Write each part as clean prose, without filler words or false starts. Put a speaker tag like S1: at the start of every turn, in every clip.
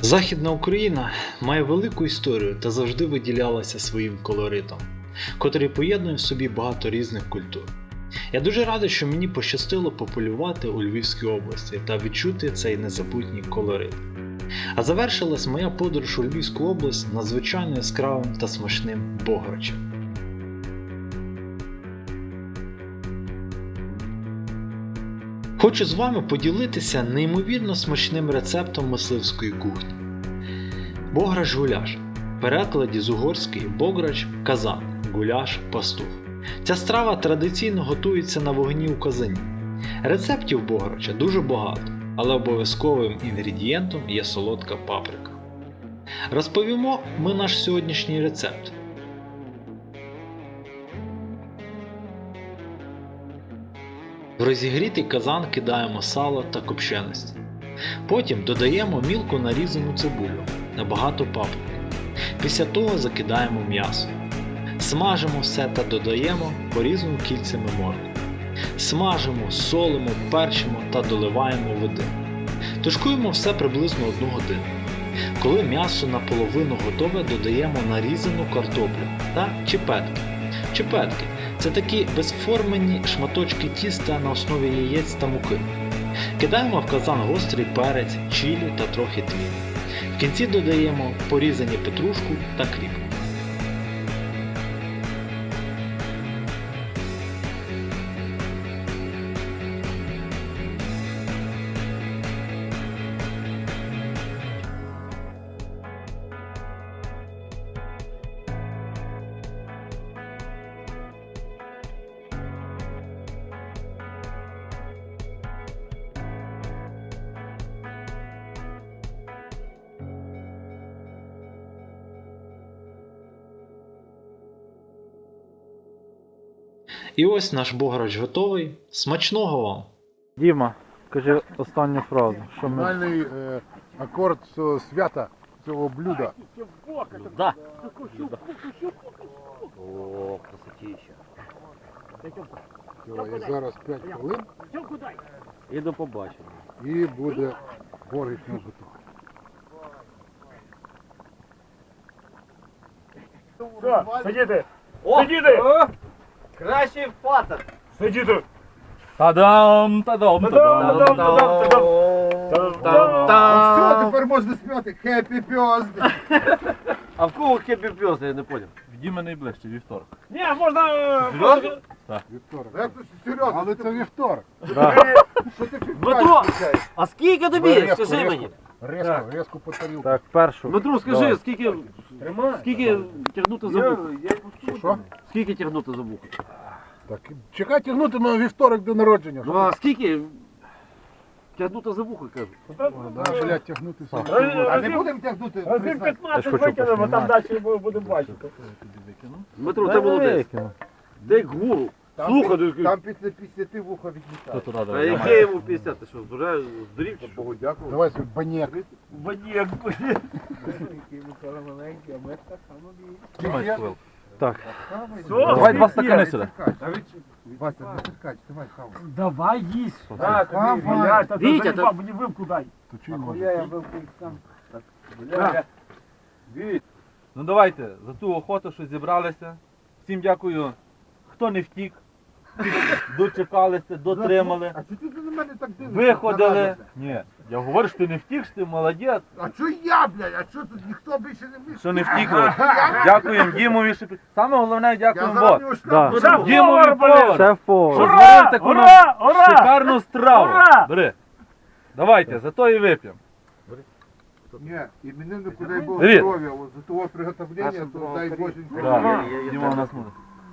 S1: Західна Україна має велику історію та завжди виділялася своїм колоритом, котрий поєднує в собі багато різних культур. Я дуже радий, що мені пощастило пополювати у Львівській області та відчути цей незабутній колорит. А завершилась моя подорож у Львівську область надзвичайно яскравим та смачним бограчем. Хочу з вами поділитися неймовірно смачним рецептом мисливської кухні. Бограч-гуляш. В перекладі з угорської бограч – казан, гуляш – пастух. Ця страва традиційно готується на вогні у казані. Рецептів бограча дуже багато, але обов'язковим інгредієнтом є солодка паприка. Розповімо ми наш сьогоднішній рецепт. В розігрітий казан кидаємо сало та копченості. Потім додаємо мілко нарізану цибулю, набагато паприки. Після того закидаємо м'ясо. Смажимо все та додаємо порізану кільцями моркву. Смажимо, солимо, перчимо та доливаємо води. Тушкуємо все приблизно 1 годину. Коли м'ясо наполовину готове, додаємо нарізану картоплю та чепетки. Чепетки – це такі безформені шматочки тіста на основі яєць та муки. Кидаємо в казан гострий перець, чилі та трохи тміну. В кінці додаємо порізані петрушку та кріп. І ось наш бограч готовий. Смачного вам!
S2: Діма, кажи останню фразу. Що ми...
S3: Фінальний акорд цього свята, цього блюда.
S4: Да. О, красотища.
S3: І зараз 5 хвилин
S4: І до побачення.
S3: і буде борщ на готовий.
S5: Сидіти!
S4: О!
S5: Сидіти!
S4: Кращий патер!
S5: Сидіти!
S2: Та-дам, та-дам, та-дам.
S3: Все, тепер можна співати Happy Birthday!
S4: А в кого хеппі пьос, я не понял.
S2: В Діми найближче, вівторок.
S5: Ні, можна...
S3: Вівторок. Як це серйозно? Але це вівторок. Що ти
S4: Дмитро, а скільки тобі?
S3: Резко,
S4: Скажи мені.
S3: Резко по тарілку.
S2: Так, першу.
S4: Дмитро, скажи,
S2: Давай.
S4: скільки тягнути за вухо?
S3: Що?
S4: Скільки тягнути за вухо?
S3: Так, чекай тягнути на вівторок до народження.
S4: Ну а скільки тягнути за вухо, кажу?
S3: Да, блядь, тягнути сам.
S5: А
S3: не будемо тягнути.
S5: Разів
S2: Я ж
S5: 15
S2: хочу
S5: викинемо, там
S2: поснімати.
S5: далі будемо бачити.
S4: Дмитро, ти молодець. Ти як гуру. Слухай,
S3: Там після 50 вуха відлітає.
S4: а яке йому 50? Ти що, вже здурів чи що?
S3: Богу дякую. Давай свій банєк.
S5: Банєк.
S2: Так.
S5: Давай
S2: два стакани сюди.
S3: Вася, не тискач, давай хавай.
S5: Давай їсть.
S4: Вітя, та-
S5: мені вилку дай.
S3: То чий може?
S2: Ну давайте, за ту охоту, що зібралися. Всім дякую, хто не втік. Дочекалися, дотримали.
S3: А чого ти на мене так дивишся?
S2: Виходили. Ні, я говорю, що ти не втік, що ти молодець.
S3: А чого я, блядь? А чого тут ніхто більше не вийшов?
S2: Що не втікли. Дякуємо Дімові. Саме головне,
S3: Я
S2: дякуємо
S3: зараз
S2: Бог.
S3: його штраф.
S5: Шеф-повар,
S2: Дімові
S5: блін.
S2: повар.
S6: Шеф-повар.
S2: Що
S5: Ура!
S2: зварив таку
S5: Ура! Ура!
S2: шикарну страву.
S5: Ура!
S2: Бери. Давайте, за то і вип'ємо.
S3: Ні, імениннику дай Бог
S2: Привіт.
S3: здоров'я, от за того приготовлення, то дай Боженька.
S2: Да. Діма у нас буде.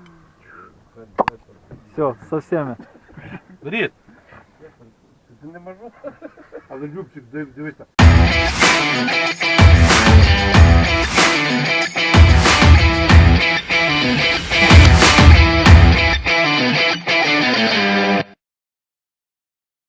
S6: Все, со всеми.
S2: Беріть.
S3: Але Любчик, дивися.